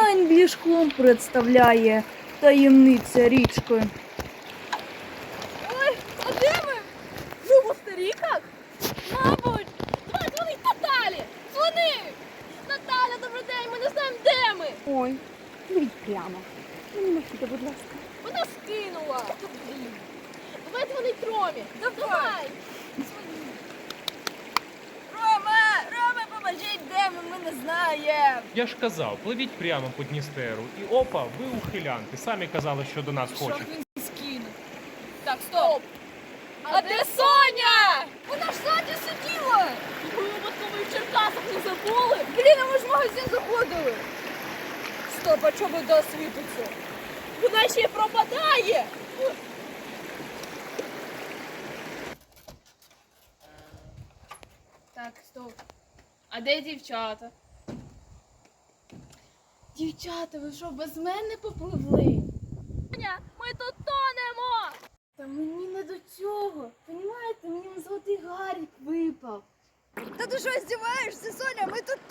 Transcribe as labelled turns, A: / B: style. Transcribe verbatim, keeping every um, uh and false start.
A: Енглішхом представляє таємниця річки.
B: Ой, а де ми? Ну, в Коста-Ріках? Мабуть. Давай, дзвони Наталі! Дзвони! Наталя, добрий день, ми не знаємо, де ми.
C: Ой, пливіть прямо. Не махайте, будь ласка.
B: Вона скинула. Давай дзвонить Ромі. Давай.
D: Рома, Рома, поможіть, де ми, ми не знаємо.
E: Я ж казав, пливіть прямо по Дністеру. І опа, ви ухилянки. Самі казали, що до нас хочете.
D: він скинув?
B: Так, стоп. А де Соня?
D: Вона ж ззаді сиділа.
B: Ми випадково і в Черкасах не забули.
D: Блін, а ми ж в магазин заходили. Стоп, а чого вода світиться?
B: Вона ще й пропадає. Так, стоп. А де дівчата? Дівчата, ви що, без мене попливли? Соня, ми тут тонемо! Та мені не до цього. Понімаєте, мені золотий гарік випав.
D: Та ти що, здіваєшся, Соня? Ми тут